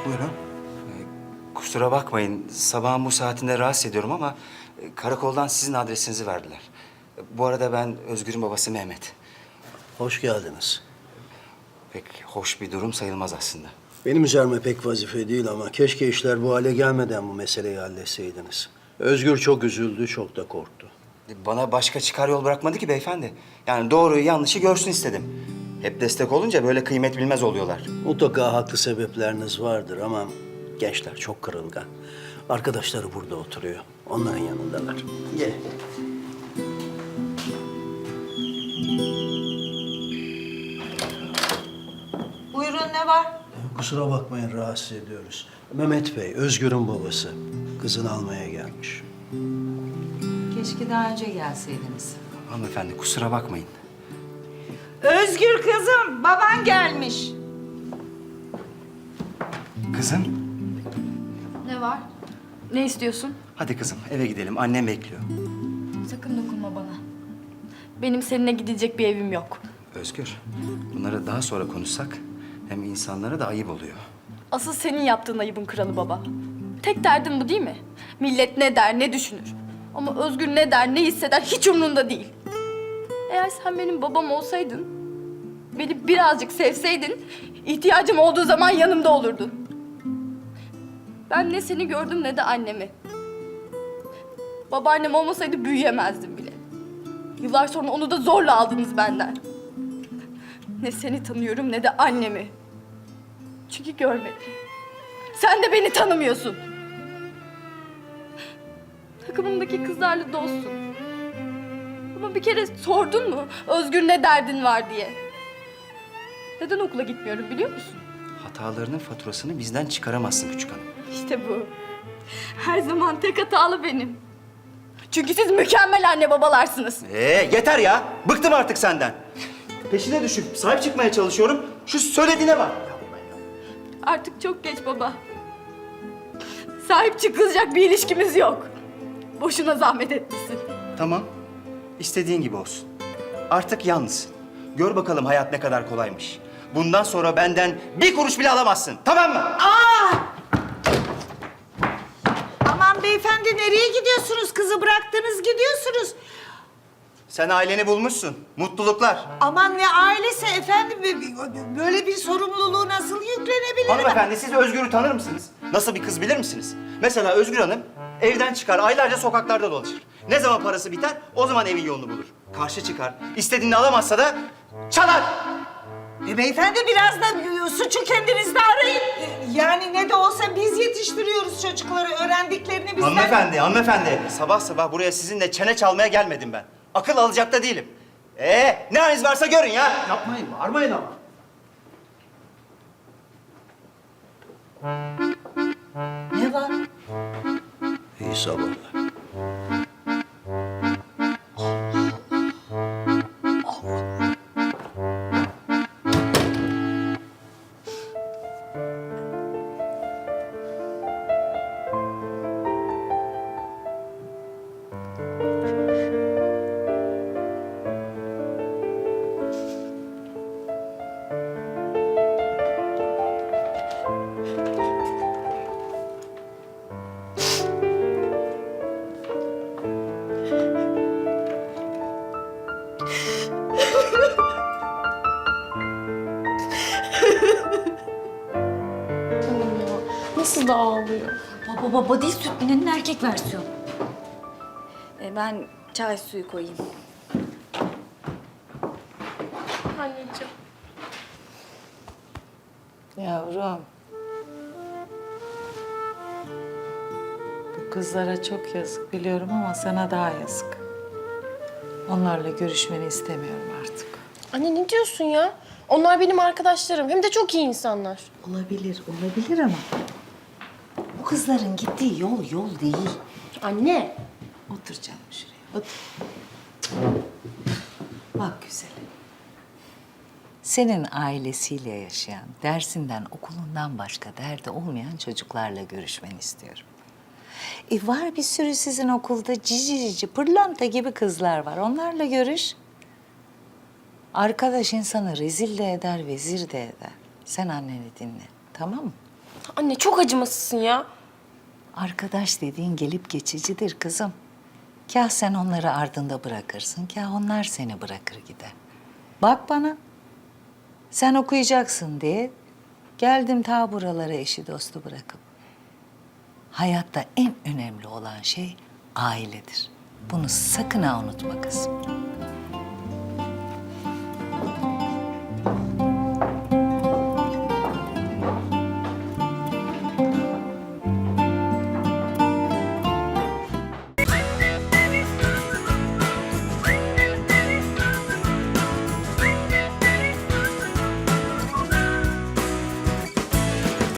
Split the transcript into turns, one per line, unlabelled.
Buyurun.
Kusura bakmayın, sabahın bu saatinde rahatsız ediyorum ama karakoldan sizin adresinizi verdiler. Bu arada ben Özgür'ün babası Mehmet.
Hoş geldiniz.
Pek hoş bir durum sayılmaz aslında.
Benim üzerime pek vazife değil ama keşke işler bu hale gelmeden bu meseleyi halletseydiniz. Özgür çok üzüldü, çok da korktu.
Bana başka çıkar yol bırakmadı ki beyefendi. Yani doğruyu yanlışı görsün istedim. Hep destek olunca böyle kıymet bilmez oluyorlar.
Mutlaka haklı sebepleriniz vardır ama gençler çok kırılgan. Arkadaşları burada oturuyor. Onların yanındalar. Gel.
Buyurun, ne var?
Kusura bakmayın rahatsız ediyoruz. Mehmet Bey, Özgür'ün babası. Kızını almaya gelmiş.
Keşke daha önce gelseydiniz.
Hanımefendi kusura bakmayın.
Özgür kızım, baban gelmiş.
Kızım,
Ne var? Ne istiyorsun?
hadi kızım eve gidelim. Annem bekliyor.
Sakın dokunma bana. Benim seninle gidecek bir evim yok.
Özgür, bunları daha sonra konuşsak hem insanlara da ayıp oluyor.
Asıl senin yaptığın ayıbın kralı baba. Tek derdin bu değil mi? Millet ne der, ne düşünür. Ama Özgür ne der, ne hisseder hiç umrunda değil. Eğer sen benim babam olsaydın, beni birazcık sevseydin, ihtiyacım olduğu zaman yanımda olurdun. Ben ne seni gördüm ne de annemi. Babaannem olmasaydı büyüyemezdim bile. Yıllar sonra onu da zorla aldınız benden. Ne seni tanıyorum ne de annemi. Çünkü görmedim. Sen de beni tanımıyorsun. Takımımdaki kızlarla dostsun. Ama bir kere sordun mu Özgür ne derdin var diye? Neden okula gitmiyorum biliyor musun?
Hatalarının faturasını bizden çıkaramazsın küçük hanım.
İşte bu. Her zaman tek hatalı benim. Çünkü siz mükemmel anne babalarsınız.
Yeter ya. Bıktım artık senden. Peşine düşüp sahip çıkmaya çalışıyorum. Şu söylediğine bak.
Artık çok geç baba. Sahip çıkılacak bir ilişkimiz yok. Boşuna zahmet etmişsin.
Tamam. İstediğin gibi olsun. Artık yalnızsın. Gör bakalım hayat ne kadar kolaymış. Bundan sonra benden bir kuruş bile alamazsın. Tamam mı?
Aman beyefendi, nereye gidiyorsunuz? Kızı bıraktınız, gidiyorsunuz.
Sen aileni bulmuşsun. Mutluluklar.
Aman ne ailesi efendim, böyle bir sorumluluğu nasıl yüklenebilir?
Hanımefendi siz Özgür'ü tanır mısınız? Nasıl bir kız bilir misiniz? Mesela Özgür Hanım evden çıkar, aylarca sokaklarda dolaşır. Ne zaman parası biter, o zaman evin yolunu bulur. Karşı çıkar, istediğini alamazsa da çalar.
Beyefendi, biraz da suçu kendinizde arayın. Yani ne de olsa biz yetiştiriyoruz çocukları, öğrendiklerini bizden...
Hanımefendi. Sabah sabah buraya sizinle çene çalmaya gelmedim ben. Akıl alacak da değilim. Ne haliniz varsa görün ya.
Yapmayın, bağırmayın ama.
Ne var?
İyi sabahlar.
Canım ya. Nasıl da ağlıyor.
Baba değil, süt binenin erkek versiyonu. Ben çay suyu koyayım.
Anneciğim.
Yavrum. Bu kızlara çok yazık biliyorum ama sana daha yazık. Onlarla görüşmeni istemiyorum artık.
Anne ne diyorsun ya? Onlar benim arkadaşlarım. Hem de çok iyi insanlar.
Olabilir ama
Bu kızların gittiği yol değil.
Anne.
otur canım şuraya, otur. Bak güzelim. Senin ailesiyle yaşayan, dersinden, okulundan başka derdi olmayan çocuklarla görüşmeni istiyorum. Var bir sürü sizin okulda cici pırlanta gibi kızlar var. Onlarla görüş. Arkadaş insanı rezil de eder, vezir de eder. Sen anneni dinle, tamam mı?
Anne çok acımasızsın ya.
Arkadaş dediğin gelip geçicidir kızım. Kah sen onları ardında bırakırsın, kah onlar seni bırakır gider. Bak bana, sen okuyacaksın diye geldim ta buralara eşi dostu bırakıp. Hayatta en önemli olan şey ailedir. Bunu sakın ha unutma kızım.